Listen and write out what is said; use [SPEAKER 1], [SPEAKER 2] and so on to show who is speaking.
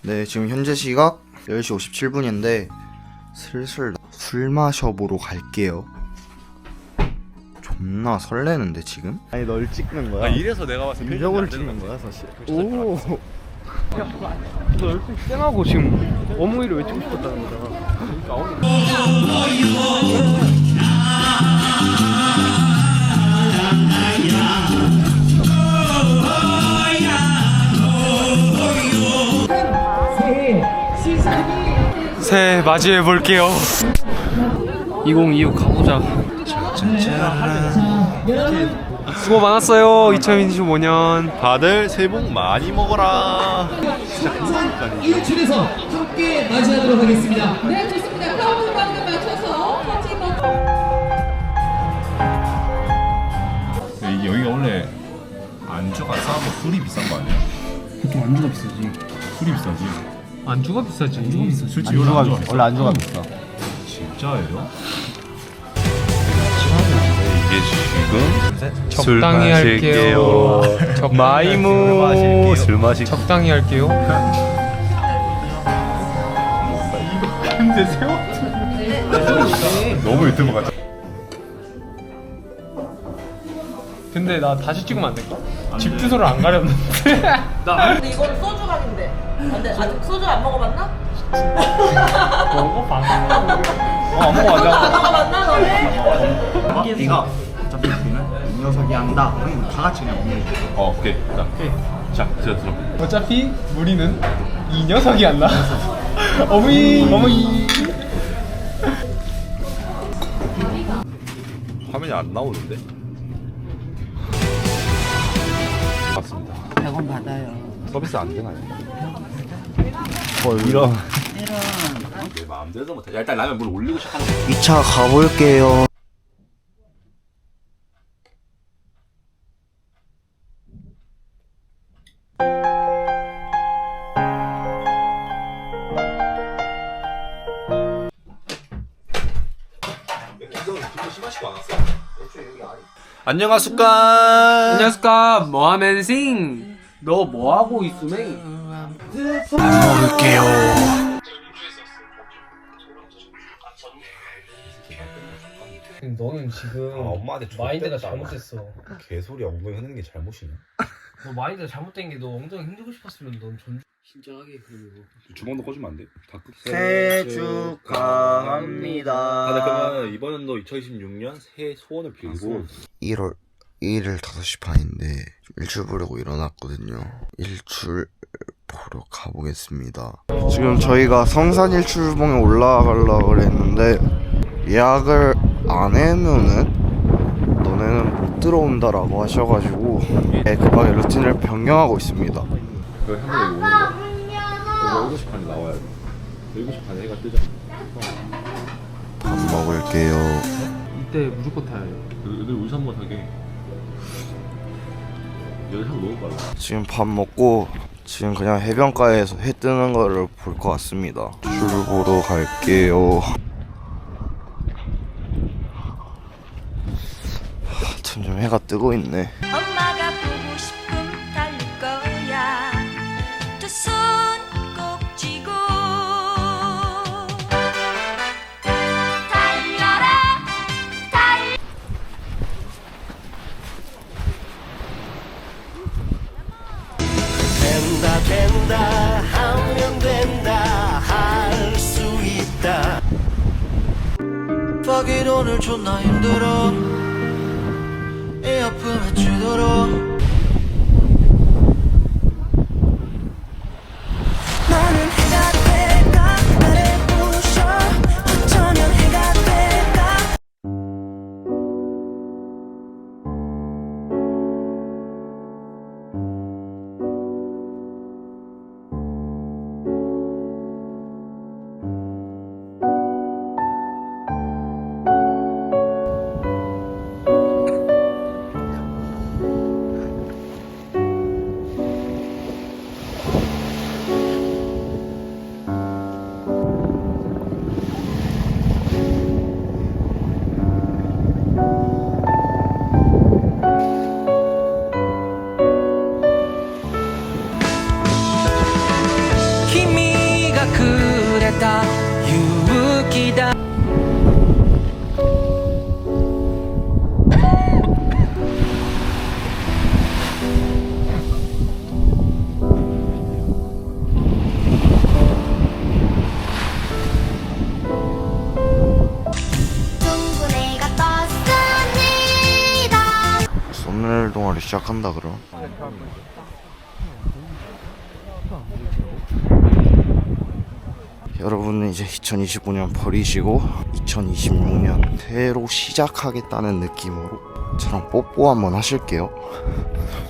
[SPEAKER 1] 네, 지금 현재 시각 10시 57분인데 슬슬 술 마셔보러 갈게요. 존나 설레는데 지금? 아니 널 찍는 거야?
[SPEAKER 2] 이래서 내가 봤을 때
[SPEAKER 1] 인정을 찍는 거야 사실.
[SPEAKER 3] 오. 너 열심히 쌩하고 지금 어머니를 외치고 싶었다는 거잖아. 새해 맞이해 볼게요. 2025 가보자. 수고 많았어요. 2025년.
[SPEAKER 2] 다들 새해 복 많이 먹어라.
[SPEAKER 4] 일출에서 함께 맞이하도록 하겠습니다.
[SPEAKER 5] 네, 좋습니다. 카운트다운에 맞춰서 사진 먹
[SPEAKER 2] 이게 여기가 원래 안주가 싸고 술이 비싼 거 아니야?
[SPEAKER 3] 보통 안주가 비싸지.
[SPEAKER 2] 술이 비싸지.
[SPEAKER 3] 안주가 비싸지.
[SPEAKER 2] 술집 원래 안주가 비싸.
[SPEAKER 1] 원래 안주가 비싸.
[SPEAKER 2] 진짜예요? 이게 지금
[SPEAKER 3] 적당히 할게요.
[SPEAKER 2] 마이무 술 마시.
[SPEAKER 3] 적당히 할게요.
[SPEAKER 2] 근데 세워? 너무 유튜브 같아.
[SPEAKER 3] 근데 나 다시 찍으면 안 될까? 집 주소를 안 가렸는데.
[SPEAKER 5] 근데 이거는 소주간인데. 근데 아직 소주 안 먹어봤나?
[SPEAKER 3] 먹어봐.
[SPEAKER 2] 안
[SPEAKER 5] 소주
[SPEAKER 2] 먹어가자.
[SPEAKER 5] 안 먹어봤나 너네?
[SPEAKER 1] 네가 어차피 우리는 이 녀석이 한다. 그럼 다 같이 그냥 먹는 거.
[SPEAKER 2] 오케이. 자, 들어.
[SPEAKER 3] 어차피 우리는 이 녀석이 안 나. 어머니.
[SPEAKER 2] 화면이 안 나오는데? 맞습니다.
[SPEAKER 6] 100원 받아요.
[SPEAKER 2] 서비스 안 되나요?
[SPEAKER 1] 이런.
[SPEAKER 2] 내 마음대로 못해. 야, 일단 라면 물 올리고 시작하는 거.
[SPEAKER 1] 2차 가볼게요.
[SPEAKER 2] 안녕하십니까.
[SPEAKER 3] 안녕하십니까. 뭐하면싱? 너 뭐하고 있으면?
[SPEAKER 1] 먹을게요.
[SPEAKER 3] 너는 지금
[SPEAKER 2] 엄마한테
[SPEAKER 3] 마인드가
[SPEAKER 2] 줬댔다.
[SPEAKER 3] 잘못됐어.
[SPEAKER 2] 개소리 엉덩이 흔드는 게 잘못이냐?
[SPEAKER 3] 너 마인드가 잘못된 게 너 엉덩이 힘들고 싶었으면 넌 진짜하게 그리고
[SPEAKER 2] 주먹도 꺼주면 안 돼? 다 끝.
[SPEAKER 1] 생일 축하합니다.
[SPEAKER 2] 다들 그러면 이번 연도 2026년 새해 소원을 빌고
[SPEAKER 1] 1월 1일 5시 반인데 일출 보려고 일어났거든요. 일출 보러 가보겠습니다. 지금 저희가 성산 일출봉에 올라가려고 그랬는데 예약을 안 해놓으면 너네는 못 들어온다라고 하셔가지고 급하게 루틴을 변경하고 있습니다.
[SPEAKER 2] 그 형들 여기 오는 거. 여기 7시 반에 나와야 돼. 7시 반에 해가 뜨잖아.
[SPEAKER 1] 밥 먹을게요.
[SPEAKER 3] 이때 무조건 타야 해.
[SPEAKER 2] 애들 우유 한번 사게. 여기 한 먹을 거야.
[SPEAKER 1] 지금 밥 먹고 지금 그냥 해변가에서 해 뜨는 거를 볼 것 같습니다. 줄 보러 갈게요. 점점 해가 뜨고 있네.
[SPEAKER 7] 엄마가 보고 싶음 달릴 거야. 두 손 꼭 쥐고 달려라 달.
[SPEAKER 4] 된다 하면 된다 할 수 있다. Fuck it 오늘 존나 힘들어. 애 아프면 주도록. 나는 해가 될까 나를 부셔. 어쩌면 해가 될까.
[SPEAKER 6] がくれた勇気だ
[SPEAKER 1] 썸네일 동아리 시작한다 그럼. 여러분은 이제 2025년 버리시고 2026년 새로 시작하겠다는 느낌으로 저랑 뽀뽀 한번 하실게요.